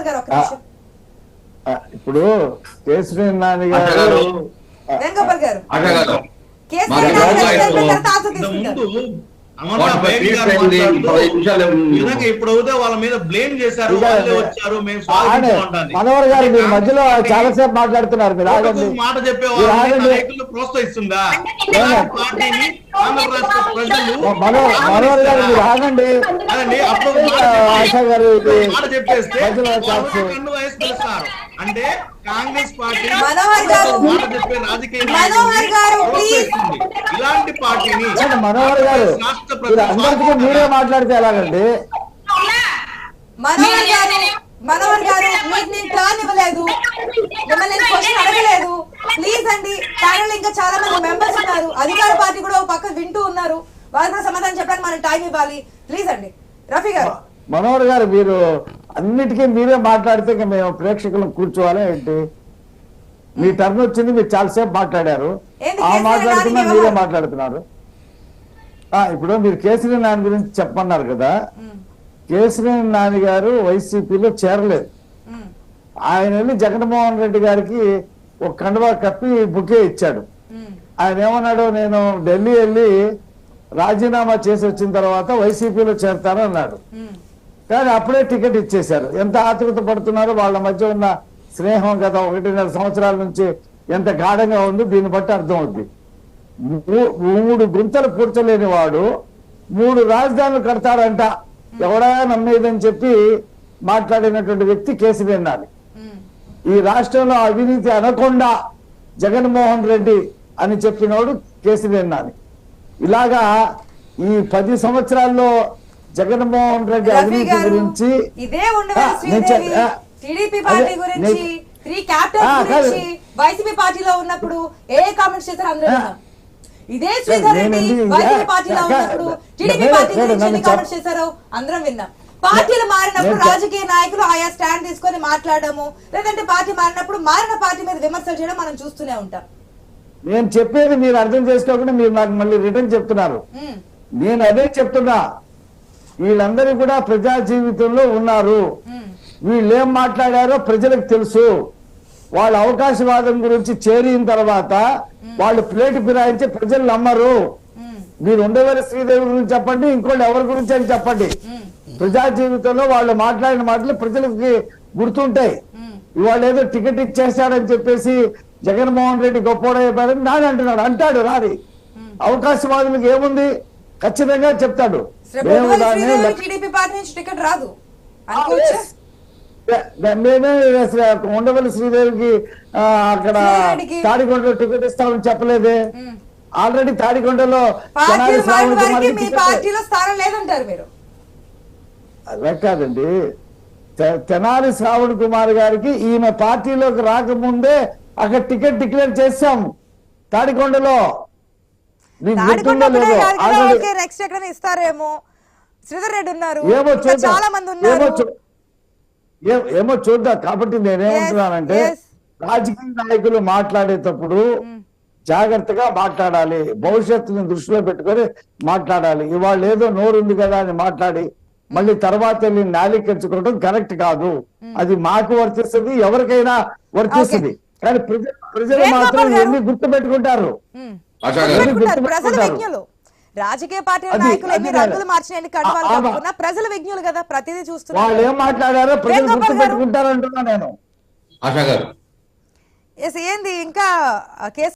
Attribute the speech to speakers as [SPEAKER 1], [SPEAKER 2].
[SPEAKER 1] వేణుగోపాల్ గారు ఒక నిమిషం.
[SPEAKER 2] ఇప్పుడు కేసీఆర్ నాని గారు
[SPEAKER 1] వేణుగోపాల్ గారు
[SPEAKER 3] ఇప్పుడు అవుతే వాళ్ళ మీద బ్లేమ్ చేశారు, వాళ్ళే వచ్చారు, మేము
[SPEAKER 2] మనోహర్ గారు మీరు మధ్యలో చాలాసేపు మాట్లాడుతున్నారు. మీరు ఆగండి,
[SPEAKER 3] మాట చెప్పే నాయకులు ప్రోత్సహిస్తుందా పార్టీని ఆంధ్ర రాష్ట్ర ప్రజలు?
[SPEAKER 2] మనోహర్ గారు మీరు ఆగండి.
[SPEAKER 3] అప్పుడు
[SPEAKER 2] ఆశా గారు
[SPEAKER 3] మాట చెప్పేస్తే కన్ను వయసు పిలుస్తారు అంటే కాంగ్రెస్ పార్టీ మాట చెప్పే రాజకీయ ఇలాంటి పార్టీని
[SPEAKER 2] మనోహర్ గారు అందరికీ మీరే మాట్లాడితే ఎలాగండి?
[SPEAKER 1] మనోహర్ గారు మీకు నేను టర్న్ ఇవ్వలేదు, మిమ్మల్ని నేను క్వశ్చన్ అడగలేదు. ప్లీజ్ అండి, ప్యానెల్ ఇంకా చాలా మంది మెంబర్స్ ఉన్నారు, అధికార పార్టీ కూడా ఒక పక్క వింటూ ఉన్నారు, వాళ్ళు కూడా సమాధానం చెప్పడానికి మనం టైం ఇవ్వాలి. ప్లీజ్ అండి. రఫీ గారు,
[SPEAKER 2] మనోహర్ గారు మీరు అన్నిటికీ మీరే మాట్లాడితే మేము ప్రేక్షకులను కూర్చోవాలి ఏంటి? మీ టర్న్ వచ్చింది, మీరు చాలాసేపు మాట్లాడారు, ఆ మాట్లాడుతున్నా మీరే మాట్లాడుతున్నారు. ఇప్పుడు మీరు కేసీఆర్ నాని గురించి చెప్పమన్నారు కదా. కేసీఆర్ నాని గారు వైసీపీలో చేరలేదు. ఆయన వెళ్ళి జగన్మోహన్ రెడ్డి గారికి ఒక కండువా కప్పి బుకే ఇచ్చాడు. ఆయన ఏమన్నాడు, నేను ఢిల్లీ వెళ్ళి రాజీనామా చేసి వచ్చిన తర్వాత వైసీపీలో చేరతాను అన్నాడు. కానీ అప్పుడే టికెట్ ఇచ్చేశారు. ఎంత ఆతృత పడుతున్నారో, వాళ్ళ మధ్య ఉన్న స్నేహం గత 1.5 సంవత్సరాల నుంచి ఎంత గాఢంగా ఉందో దీన్ని బట్టి అర్థం అవుద్ది. 3 గుంతలు పూడ్చలేని వాడు 3 రాజధానులు కడతాడంట ఎవడా నమ్మేదని చెప్పి మాట్లాడినటువంటి వ్యక్తి కేసీఆర్ నాని. ఈ రాష్ట్రంలో అవినీతి అనకుండా జగన్మోహన్ రెడ్డి అని చెప్పినోడు కేసీఆర్ నాని. ఇలాగా ఈ 10 సంవత్సరాల్లో జగన్మోహన్ రెడ్డి అవినీతి గురించి,
[SPEAKER 1] ఇదే టీడీపీ పార్టీ గురించి, 3 క్యాపిటల్స్ గురించి వైసీపీ పార్టీలో ఉన్నప్పుడు ఏ కామెంట్స్ చేశారు అందరూ? ఇదే శ్రీధర్ రెడ్డి వైసీపీ పార్టీలో ఉన్నప్పుడు టీడీపీ పార్టీ గురించి ఎన్ని కామెంట్స్ చేశారో అందరం విన్నాం. పార్టీలు మారినప్పుడు రాజకీయ నాయకులు ఆయా స్టాండ్ తీసుకొని మాట్లాడము, లేదంటే పార్టీ మారినప్పుడు మారిన పార్టీ మీద విమర్శలు చేయడం మనం చూస్తూనే ఉంటాం.
[SPEAKER 2] నేను చెప్పేది మీరు అర్థం చేసుకోకుండా మీరు నాకు మళ్ళీ రిటర్న్ చెప్తున్నారు. నేను అదే చెప్తున్నా, వీళ్ళందరూ కూడా ప్రజా జీవితంలో ఉన్నారు. వీళ్ళు ఏం మాట్లాడారో ప్రజలకు తెలుసు. వాళ్ళ అవకాశవాదం గురించి చేరిన తర్వాత వాళ్ళు ప్లేట్ ఫిరాయించి ప్రజలు నమ్మరు. మీరు ఉండవల్లి శ్రీదేవి గురించి చెప్పండి, ఇంకోళ్ళు ఎవరి గురించి అని చెప్పండి. ప్రజా జీవితంలో వాళ్ళు మాట్లాడిన మాటలు ప్రజలకి గుర్తుంటాయి. ఇవాళ ఏదో టికెట్ ఇచ్చేస్తాడని చెప్పేసి జగన్మోహన్ రెడ్డి గొప్పవాడైపోయాడని నాని అంటున్నాడు. అంటాడు రాని, అవకాశవాదులకు ఏముంది, ఖచ్చితంగా చెప్తాడు. మేమే ఉండవల్లి శ్రీదేవికి అక్కడ తాడికొండలో టికెట్ ఇస్తామని చెప్పలేదే. ఆల్రెడీ తాడికొండలో అలా కాదండి, తెనాలి శ్రావణ్ కుమార్ గారికి ఈయన పార్టీలోకి రాకముందే అక్కడ టికెట్ డిక్లేర్ చేశాము తాడికొండలో.
[SPEAKER 1] నెక్స్ట్ ఎక్కడ ఇస్తారేమో, శ్రీధర్ రెడ్డి ఉన్నారు, చాలా మంది ఉన్నారు,
[SPEAKER 2] ఏమో చూద్దాం. కాబట్టి నేనేమంటున్నానంటే రాజకీయ నాయకులు మాట్లాడేటప్పుడు జాగ్రత్తగా మాట్లాడాలి, భవిష్యత్తుని దృష్టిలో పెట్టుకొని మాట్లాడాలి. ఇవాళ ఏదో నోరుంది కదా అని మాట్లాడి మళ్ళీ తర్వాత వెళ్ళి నాలికెచ్చుకోవడం కరెక్ట్ కాదు. అది మాకు వర్తిస్తుంది, ఎవరికైనా వర్తిస్తుంది. కానీ ప్రజలు మాత్రం ఎన్ని గుర్తు పెట్టుకుంటారు.
[SPEAKER 1] రాజకీయ పార్టీ నాయకులు ఎన్ని రంగులు మార్చిన ప్రజల విజ్ఞులు కదా, ప్రతిదీ చూస్తున్నారు.
[SPEAKER 2] వాళ్ళు ఏం మాట్లాడారో ప్రజలు గుర్తు పెట్టుకుంటారు అంటున్నా నేను.
[SPEAKER 1] ఏంది ఇంకా కేసు